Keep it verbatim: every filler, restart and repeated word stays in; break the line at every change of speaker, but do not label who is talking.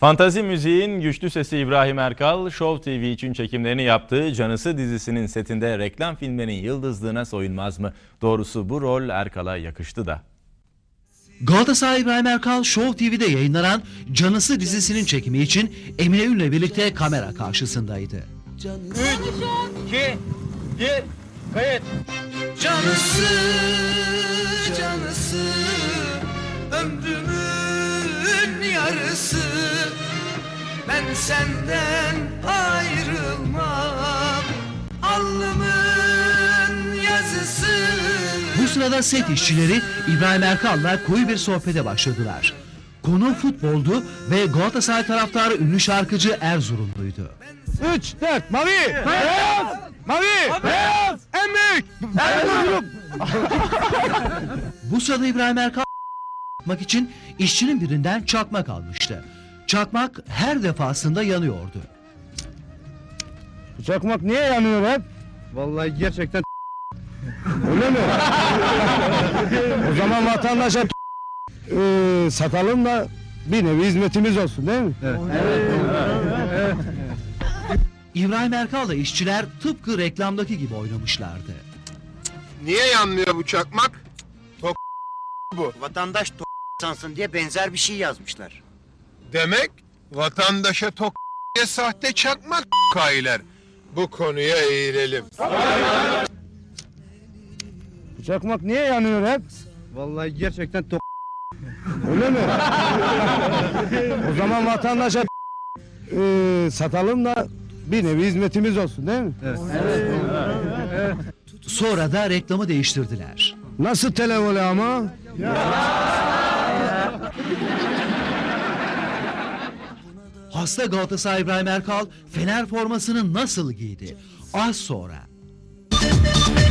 Fantazi müziğin güçlü sesi İbrahim Erkal, Show T V için çekimlerini yaptığı Canısı dizisinin setinde reklam filmlerinin yıldızlığına soyunmaz mı? Doğrusu bu rol Erkal'a yakıştı da.
Galatasaray İbrahim Erkal Show T V'de yayınlanan Canısı dizisinin çekimi için Emine Ün'le birlikte kamera karşısındaydı.
üç, iki, bir, kayıt.
Canısı, canısı, ömrümün yarısı. Ben senden ayrılmam, alnımın yazısı.
Bu sırada set işçileri İbrahim Erkal'la koyu bir sohbete başladılar. Konu futboldu ve Galatasaray taraftarı ünlü şarkıcı Erzurumluydu.
Üç, dört, mavi, beyaz, mavi, beyaz, en büyük, Erzurum.
Bu sırada İbrahim Erkal yapmak için işçinin birinden çakmak almıştı. Çakmak her defasında yanıyordu.
Bu çakmak niye yanıyor hep? Vallahi gerçekten öyle mi? O zaman vatandaşa e, satalım da bir nevi hizmetimiz olsun değil mi? Evet.
İbrahim Erkal'la işçiler tıpkı reklamdaki gibi oynamışlardı.
Niye yanmıyor bu çakmak? Tok bu.
Vatandaş to sansın diye benzer bir şey yazmışlar.
Demek vatandaşa tok diye sahte çakmak kailer. Bu konuya eğilelim.
Bu çakmak niye yanıyor hep? Vallahi gerçekten to öyle mi? O zaman vatandaşa e, satalım da bir nevi hizmetimiz olsun değil mi? Evet.
Sonra da reklamı değiştirdiler.
Nasıl televole ama?
Hasta Galatasaray İbrahim Erkal Fener formasını nasıl giydi? Az sonra.